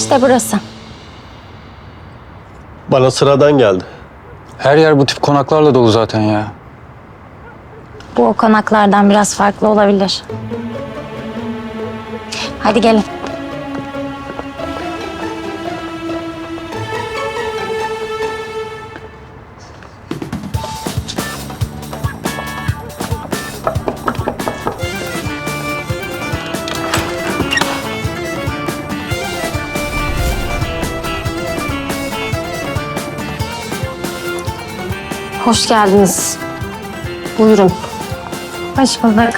İşte burası. Bana sıradan geldi. Her yer bu tip konaklarla dolu zaten ya. Bu o konaklardan biraz farklı olabilir. Hadi gelin. Hoş geldiniz. Buyurun. Hoş bulduk.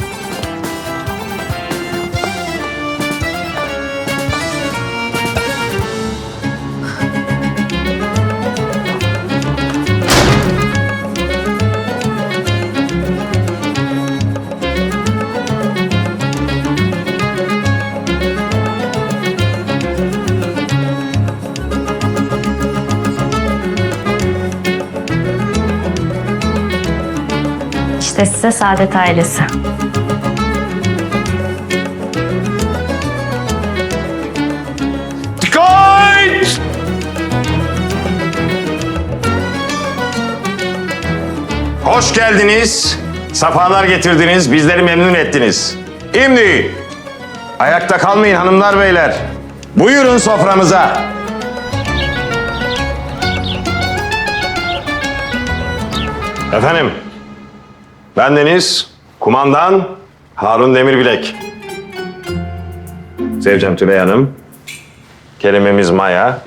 İşte size Saadet ailesi. Dikkat! Hoş geldiniz. Safalar getirdiniz. Bizleri memnun ettiniz. Şimdi ayakta kalmayın hanımlar beyler. Buyurun soframıza. Efendim, bendeniz kumandan Harun Demirbilek. Zevcem Tülay Hanım. Kelimemiz Maya.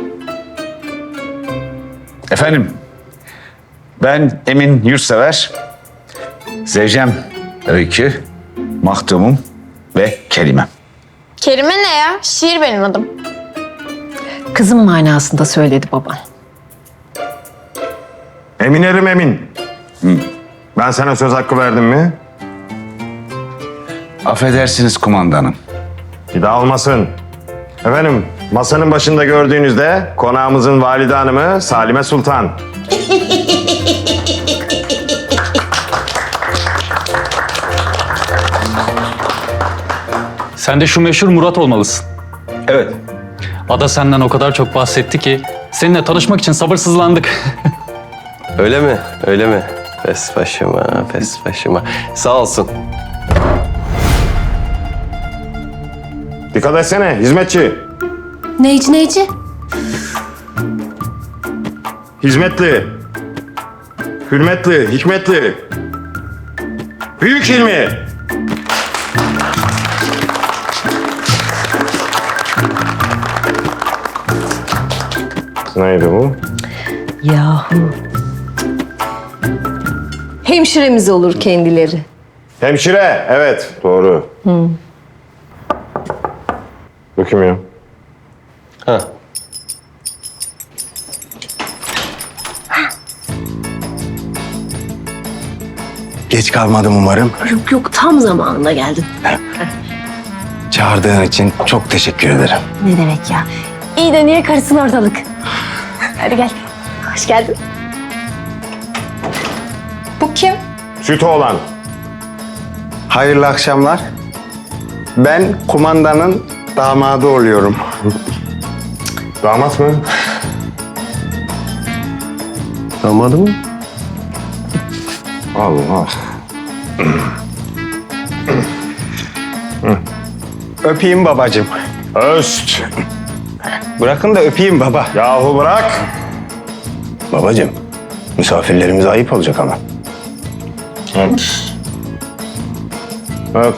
Efendim, ben Emin Yurtsever, Zevcem Öykü, Mahdumum ve Kerimem. Kerime ne ya? Şiir benim adım. Kızım manasında söyledi baban. Eminerim Emin. Ben sana söz hakkı verdim mi? Affedersiniz kumandanım. Bir daha olmasın. Efendim, masanın başında gördüğünüzde konağımızın valide hanımı Salime Sultan. Sen de şu meşhur Murat olmalısın. Evet. Ada senden o kadar çok bahsetti ki seninle tanışmak için sabırsızlandık. Öyle mi? Öyle mi? Pes başıma, pes başıma. Sağ olsun. Dikkat etsene hizmetçi. Neyci? Hizmetli. Hürmetli, hikmetli. Büyük ilmi. Neydi bu? Yahu. Hemşiremiz olur kendileri. Hemşire, evet doğru. Bu kim ya? Ha. Geç kalmadım umarım. Yok tam zamanında geldin. Çağırdığın için çok teşekkür ederim. Ne demek ya? İyi de niye karısın ortalık? Hadi gel. Hoş geldin. Bu kim? Sütü olan. Hayırlı akşamlar. Ben kumandanın damadı oluyorum. Damat mı? Damadı mı? Allah. Öpeyim babacığım. Öst. Bırakın da öpeyim baba. Yahu bırak. Babacığım, misafirlerimize ayıp olacak ama. Öp. Öp.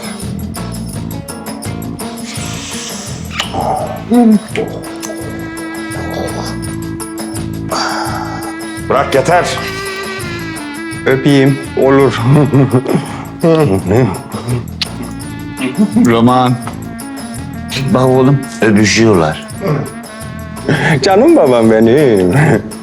Bırak yeter. Öpeyim, olur. Roman. Bak oğlum, öpüşüyorlar. Canım babam benim.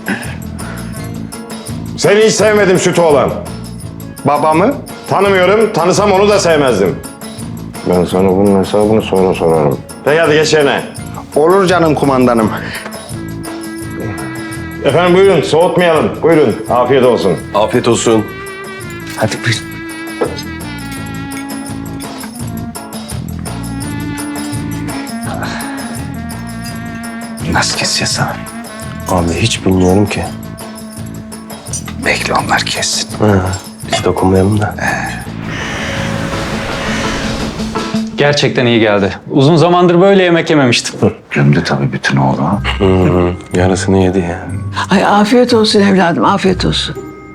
Seni hiç sevmedim sütü olan. Babamı? Tanımıyorum, tanısam onu da sevmezdim. Ben sana bunun hesabını sonra sorarım. Peki hadi geç yerine. Olur canım kumandanım. Efendim buyurun, soğutmayalım. Buyurun, afiyet olsun. Afiyet olsun. Hadi buyur. nasıl keseceğiz abi? Abi hiç bilmiyorum ki. Bekle onlar kessin. Biz dokunmayalım da. Gerçekten iyi geldi. Uzun zamandır böyle yemek yememiştim. Gömdü tabii bütün oğlu. Yarısını yedi ya. Ay afiyet olsun evladım, afiyet olsun.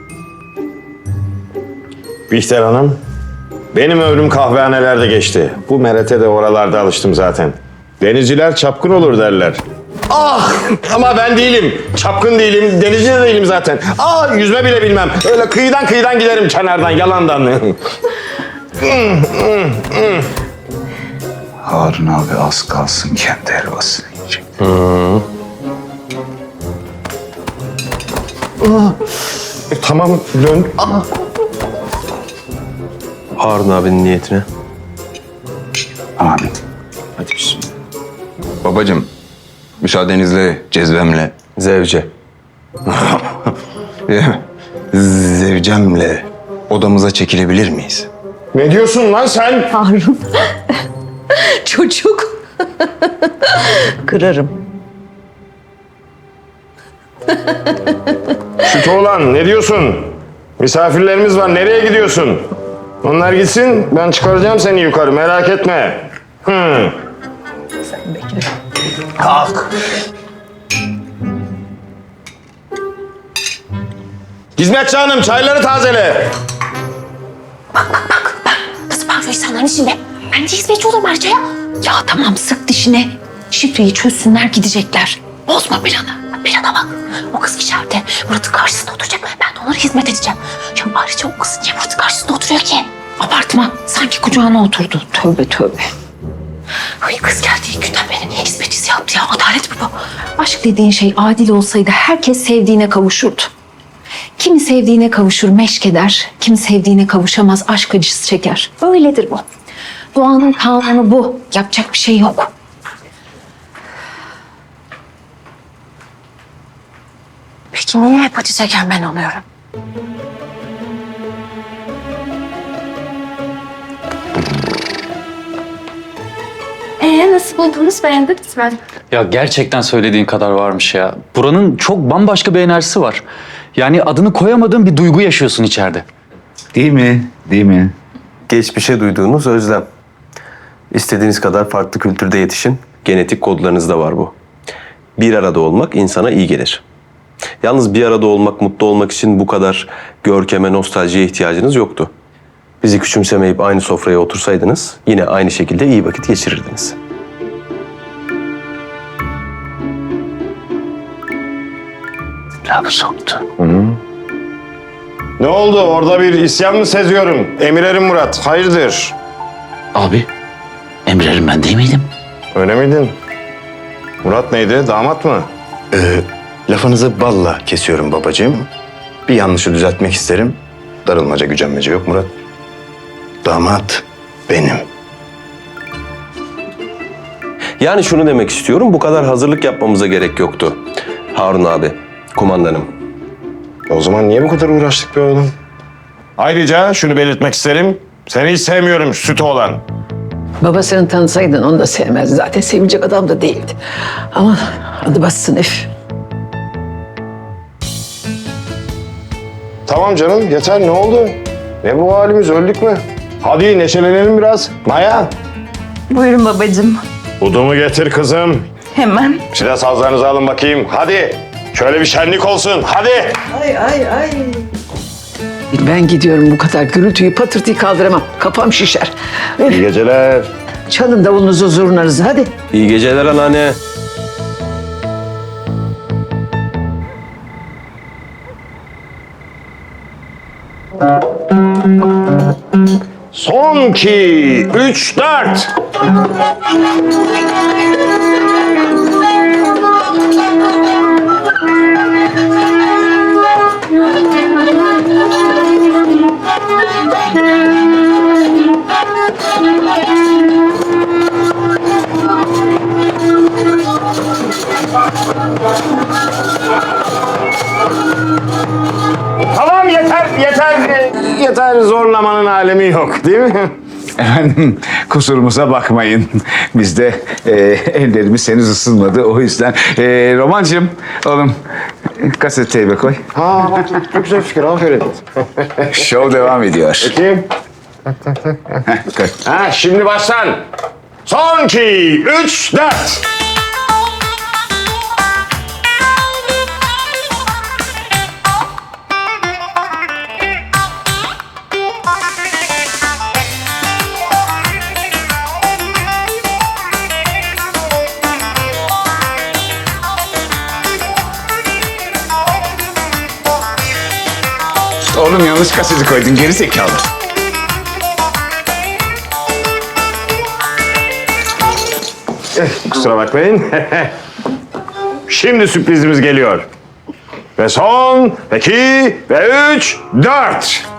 Bihter Hanım, benim ömrüm kahvehanelerde geçti. Bu merete de oralarda alıştım zaten. Denizciler çapkın olur derler. Ah! Ama ben değilim. Çapkın değilim, denizci de değilim zaten. Ah! Yüzme bile bilmem. Öyle kıyıdan giderim kenardan, yalandan. Harun abi az kalsın kendi helvasını yiyecek. Tamam, dön. Ah! Harun abinin niyetine. Amin. Hadi bismillah. Babacığım, müsaadenizle cezvemle, Zevce. zevcemle odamıza çekilebilir miyiz? Ne diyorsun lan sen? Harun. Çocuk. Kırarım. Süt oğlan, ne diyorsun? Misafirlerimiz var, nereye gidiyorsun? Onlar gitsin, ben çıkaracağım seni yukarı, merak etme. Kalk. Hizmetçi hanım, çayları tazele. Nasıl bağırıyor insanların içinde? Ben de hizmetçi olurum ayrıca ya. Ya tamam sık dişine. Şifreyi çözsünler gidecekler. Bozma planı. Plana bak. O kız içeride Murat'ın karşısında oturacak. Ben de onlara hizmet edeceğim. Ya ayrıca o kız niye Murat'ın karşısında oturuyor ki? Abartma. Sanki kucağına oturdu. Tövbe tövbe. Ay kız geldiği günden beri niye hizmetçisi yaptı ya? Adalet mi bu? Aşk dediğin şey adil olsaydı herkes sevdiğine kavuşurdu. Kimi sevdiğine kavuşur meşk eder, kimi sevdiğine kavuşamaz aşk acısı çeker. Öyledir bu. Doğanın kanunu bu. Yapacak bir şey yok. Peki niye hep acı çeken ben oluyorum? Nasıl buldunuz? Beğendiniz mi? Ya gerçekten söylediğin kadar varmış ya. Buranın çok bambaşka bir enerjisi var. Yani adını koyamadığın bir duygu yaşıyorsun içeride. Değil mi? Değil mi? Geçmişe duyduğunuz özlem. İstediğiniz kadar farklı kültürde yetişin. Genetik kodlarınızda var bu. Bir arada olmak insana iyi gelir. Yalnız bir arada olmak, mutlu olmak için bu kadar görkeme, nostaljiye ihtiyacınız yoktu. Bizi küçümsemeyip aynı sofraya otursaydınız yine aynı şekilde iyi vakit geçirirdiniz. Lafı soktu. Ne oldu? Orada bir isyan mı seziyorum? Emirerim Murat, hayırdır? Abi, Emre'lim ben değil miydim? Öyle miydin? Murat neydi? Damat mı? Lafınızı balla kesiyorum babacığım. Bir yanlışı düzeltmek isterim. Darılmaca, gücenmece yok Murat. Damat benim. Yani şunu demek istiyorum, bu kadar hazırlık yapmamıza gerek yoktu. Harun abi, kumandanım. O zaman niye bu kadar uğraştık be oğlum? Ayrıca şunu belirtmek isterim. Seni hiç sevmiyorum süt oğlan. Babasını tanısaydın onu da sevmezdi. Zaten sevecek adam da değildi. Ama adı bassın Ef. Tamam canım yeter ne oldu? Ne bu halimiz öldük mü? Hadi neşelenelim biraz. Maya. Buyurun babacığım. Udumu getir kızım. Hemen. Silah sazlarınızı alın bakayım. Hadi. Şöyle bir şenlik olsun. Hadi. Ay. Ben gidiyorum, bu kadar gürültüyü patırtıyı kaldıramam. Kafam şişer. İyi geceler. Çalın davulunuzu zurnanızı hadi. İyi geceler anneanne. Son 2, 3, 4. Tamam yeter. Yeter zorlamanın alemi yok değil mi? Efendim, kusurumuza bakmayın. Biz de ellerimiz henüz ısınmadı. O yüzden Romancığım oğlum kaset teybe koy. Çok güzel fikir, aferin. Şov devam ediyor. Kim? Koy. Ha, şimdi baştan. Son 2, 3, 4. Oğlum yanlış kaseti koydun geri zekalı. Kusura bakmayın. Şimdi sürprizimiz geliyor. Ve son 2 ve 3, 4.